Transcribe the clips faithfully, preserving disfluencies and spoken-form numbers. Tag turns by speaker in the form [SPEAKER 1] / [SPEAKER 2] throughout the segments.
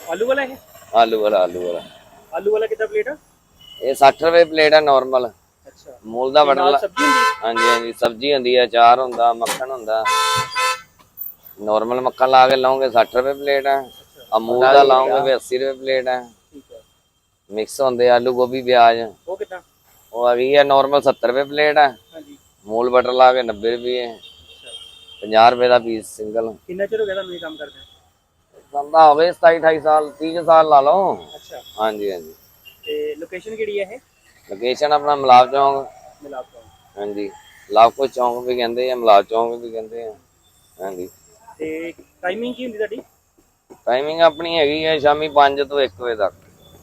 [SPEAKER 1] आलू वाला है?
[SPEAKER 2] आलू वाला आलू वाला
[SPEAKER 1] आलू वाला कितना प्लेट है?
[SPEAKER 2] ये साठ रुपए प्लेट है नॉर्मल।
[SPEAKER 1] अच्छा
[SPEAKER 2] मूल दा बटर ला
[SPEAKER 1] सब्जी होंदी?
[SPEAKER 2] हाँ जी हाँ जी सब्जी होंदी है, अचार होंदा, मक्खन होंदा। नॉर्मल मक्खन ला के लाओगे साठ रुपए प्लेट है, अमूल दा लाओगे भी अस्सी रुपए प्लेट है।
[SPEAKER 1] ठीक है।
[SPEAKER 2] मिक्स होंदे आलू गोभी प्याज
[SPEAKER 1] वो कितना?
[SPEAKER 2] वो आ गई है नॉर्मल सत्तर रुपए प्लेट है,
[SPEAKER 1] हाँ जी।
[SPEAKER 2] मूल बटर ला के नब्बे रुपये है, पंजाह रुपए का पीस सिंगल।
[SPEAKER 1] कितना चिर हो गया था काम करते हैं?
[SPEAKER 2] बंदा हो गए सताई अठाई साल तीस साल ला लो।
[SPEAKER 1] अच्छा
[SPEAKER 2] हाँ जी हाँ जी।
[SPEAKER 1] ते लोकेशन केड़ी है?
[SPEAKER 2] लोकेशन अपना मलाब चौक।
[SPEAKER 1] मिलाप चौक।
[SPEAKER 2] हाँ जी लाखो चौक भी कहते हैं, मलाब चौक भी कहते हैं। हाँ जी
[SPEAKER 1] ते टाइमिंग की होंदी ਤੁਹਾਡੀ?
[SPEAKER 2] टाइमिंग अपनी हैगी है शामी पाँच तो एक बजे तक।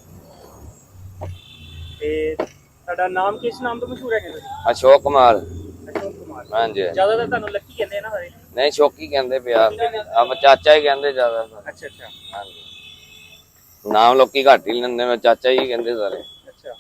[SPEAKER 1] ਤੇ ਤੁਹਾਡਾ ਨਾਮ ਕਿਸ ਨਾਮ ਤੋਂ ਮਸ਼ਹੂਰ ਹੈ ਤੁਸੀਂ?
[SPEAKER 2] अशोक कुमार।
[SPEAKER 1] ਅਸ਼ੋਕ ਕੁਮਾਰ।
[SPEAKER 2] हाँ जी
[SPEAKER 1] ਜ਼ਿਆਦਾਤਰ ਤੁਹਾਨੂੰ ਲੱਕੀ ਕਹਿੰਦੇ ਆ ਨਾ ਸਾਰੇ?
[SPEAKER 2] नहीं शौकी कहते प्यार अब चाचा ही कहते ज्यादा।
[SPEAKER 1] ਅੱਛਾ ਅੱਛਾ।
[SPEAKER 2] हाँ जी नाम लोग घट ही लेंदे, मैं चाचा ही कहते सारे।
[SPEAKER 1] ਅੱਛਾ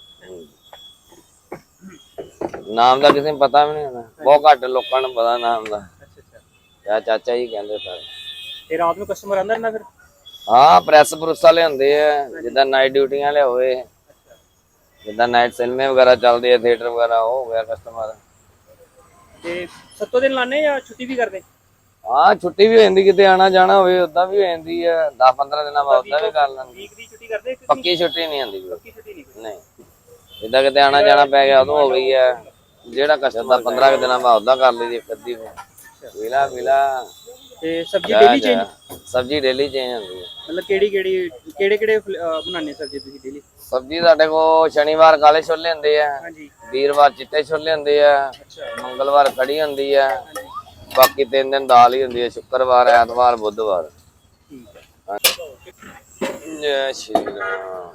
[SPEAKER 2] नाम का किसी पता भी नहीं होता, बहुत घट लोगों को पता नाम का।
[SPEAKER 1] ਅੱਛਾ ਅੱਛਾ।
[SPEAKER 2] या चाचा ही कहते सारे।
[SPEAKER 1] ਤੇ ਰਾਤ ਨੂੰ ਕਸਟਮਰ ਆਂਦਾ ਨਾ ਫਿਰ?
[SPEAKER 2] हाँ प्रैस प्रुस वाले होंगे जिदा नाइट ड्यूटी वाले होए, जिदा नाइट सिनेमे वगैरह चलते हैं, थिएटर वगैरह हो गया कस्टमर।
[SPEAKER 1] ਤੇ ਸੱਤੋਂ ਦਿਨ ਲਾਣੇ ਜਾਂ ਛੁੱਟੀ ਵੀ ਕਰਦੇ?
[SPEAKER 2] हाँ छुट्टी भी हो जाती, कितने आना जाना हो उदा भी हो जाती है, दस पंद्रह दिन बाद उदा भी कर लेंगे।
[SPEAKER 1] ਵੀਕ ਦੀ ਛੁੱਟੀ ਕਰਦੇ ਕਿ
[SPEAKER 2] पक्की छुट्टी नहीं आती
[SPEAKER 1] ਪੱਕੀ ਛੁੱਟੀ ਨਹੀਂ?
[SPEAKER 2] नहीं, जिदा कितने आना जाना पै गया उदों हो गई है, जेड़ा कस्टमर पंद्रह दिन बाद उदा कर ली एक अद्धी पीला पीला।
[SPEAKER 1] ਤੇ ਸਬਜ਼ੀ ਡੇਲੀ ਚੇਂਜ?
[SPEAKER 2] सब्जी डेली चेंज होती है।
[SPEAKER 1] ਮਤਲਬ ਕਿਹੜੀ ਕਿਹੜੀ ਕਿਹੜੇ ਕਿਹੜੇ ਬਣਾਉਂਦੇ ਸਬਜ਼ੀ ਤੁਸੀਂ ਡੇਲੀ?
[SPEAKER 2] सब्जी साडे को शनिवार काले छोले होंदे है,
[SPEAKER 1] ਹਾਂਜੀ।
[SPEAKER 2] वीरवार चिट्टे छोले होंदे है,
[SPEAKER 1] ਅੱਛਾ।
[SPEAKER 2] मंगलवार कड़ी होंदी है, बाकी तीन दिन दाल ही होंदी है, शुक्रवार ऐतवार बुधवार।
[SPEAKER 1] ਠੀਕ ਹੈ।
[SPEAKER 2] जय श्री राम।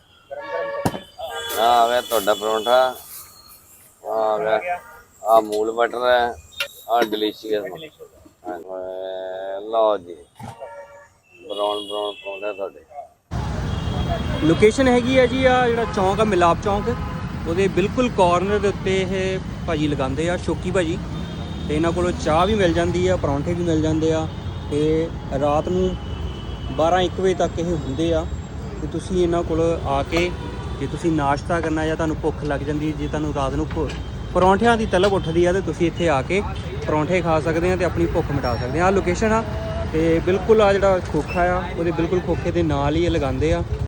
[SPEAKER 2] हाँ आ गया ਤੁਹਾਡਾ ਪਰੌਂਠਾ, आ गया आ मूल बटर है, आ डिलीशियस। ਲਓ ਜੀ ਬਰਾਉਨ ਬਰਾਉਨ ਪਰੌਂਠਾ ਤੁਹਾਡੇ।
[SPEAKER 1] ਲੋਕੇਸ਼ਨ ਹੈਗੀ ਹੈ ਜੀ ਆ ਜਿਹੜਾ ਚੌਂਕ ਆ ਮਿਲਾਪ ਚੌਂਕ, ਉਹਦੇ ਬਿਲਕੁਲ ਕਾਰਨਰ ਦੇ ਉੱਤੇ ਇਹ ਭਾਜੀ ਲਗਾਉਂਦੇ ਆ, ਸ਼ੌਕੀ ਭਾਜੀ। ਤੇ ਇਹਨਾਂ ਕੋਲੋਂ ਚਾਹ ਵੀ ਮਿਲ ਜਾਂਦੀ ਆ, ਪਰੌਂਠੇ ਵੀ ਮਿਲ ਜਾਂਦੇ ਆ, ਤੇ ਰਾਤ ਨੂੰ ਬਾਰਾਂ ਇੱਕ ਵਜੇ ਤੱਕ ਇਹ ਹੁੰਦੇ ਆ। ਤੇ ਤੁਸੀਂ ਇਹਨਾਂ ਕੋਲ ਆ ਕੇ ਜੇ ਤੁਸੀਂ ਨਾਸ਼ਤਾ ਕਰਨਾ ਜਾਂ ਤੁਹਾਨੂੰ ਭੁੱਖ ਲੱਗ ਜਾਂਦੀ, ਜੇ ਤੁਹਾਨੂੰ ਰਾਤ ਨੂੰ ਪਰੌਂਠਿਆਂ ਦੀ ਤਲਬ ਉੱਠਦੀ ਆ, ਤੇ ਤੁਸੀਂ ਇੱਥੇ ਆ ਕੇ ਪਰੌਂਠੇ ਖਾ ਸਕਦੇ ਆ ਤੇ ਆਪਣੀ ਭੁੱਖ ਮਿਟਾ ਸਕਦੇ ਆ। ਆਹ ਲੋਕੇਸ਼ਨ ਆ ਤੇ ਬਿਲਕੁਲ ਆ ਜਿਹੜਾ ਖੋਖਾ ਆ ਉਹਦੇ ਬਿਲਕੁਲ ਖੋਖੇ ਦੇ ਨਾਲ ਹੀ ਇਹ ਲਗਾਉਂਦੇ ਆ।